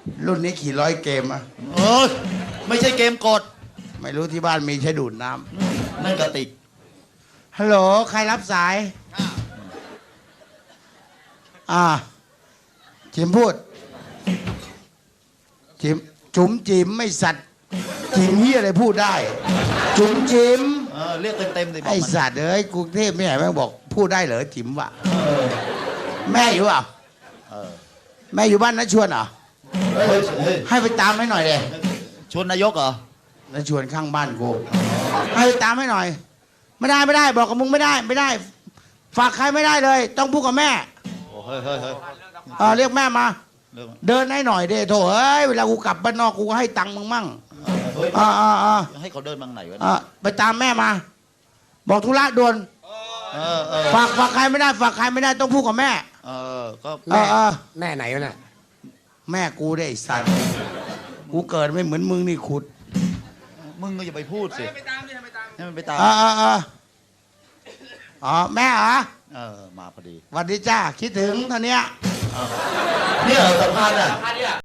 รุ่นนี้ขี่ร้อยเกมอะเออไม่ใช่เกมกดไม่รู้ที่บ้านมีใช้ดูดน้นั่นกระติกำฮัลโหลใครรับสายจิมพูดจิมจุ๋มจิ๋มไม่สัตว์จิ๋มเฮียอะไรพูดได้ จุ๋มจิ๋มเรียกเต็มๆสิบอกไอมันสัตว์เอ้ยกรุงเทพไม่ไหนแม่งบอกพูดได้เหรอจิ๋มวะแม่อยู่เปล่าเออแม่อยู่บ้านนะชวนเหรอเฮ้ยให้ไปตามให้หน่อยเลยชวนนายกเหรอนะชวนข้างบ้านกูให้ไปตามให้หน่อย ไม่ได้บอกกับมึงไม่ได้ ฝากใครไม่ได้เลย ต้องพูดกับแม่โอ้เฮ้ยเรียกแม่มาเรื่องเดินให้หน่อยเด้โถเอ้ยเวลากูกลับบ้านนอกกูก็ให้ตังค์มึงมั่งเฮ้ย ให้เขาเดินบางไหนวะไปตามแม่มา บอกธุระด่วน ฝากใครไม่ได้ต้องพูดกับแม่ก็แม่ไหนวะน่ะแม่กูได้ไอ้สัตว์กูเกิดไม่เหมือนมึงนี่ขุดมึงก็อย่าไปพูดสิให้มันไปตามแม่เหรอมาพอดีสวัสดีจ้าคิดถึงเท่านี้เนี่ยสัมภาษณ์อ่ะ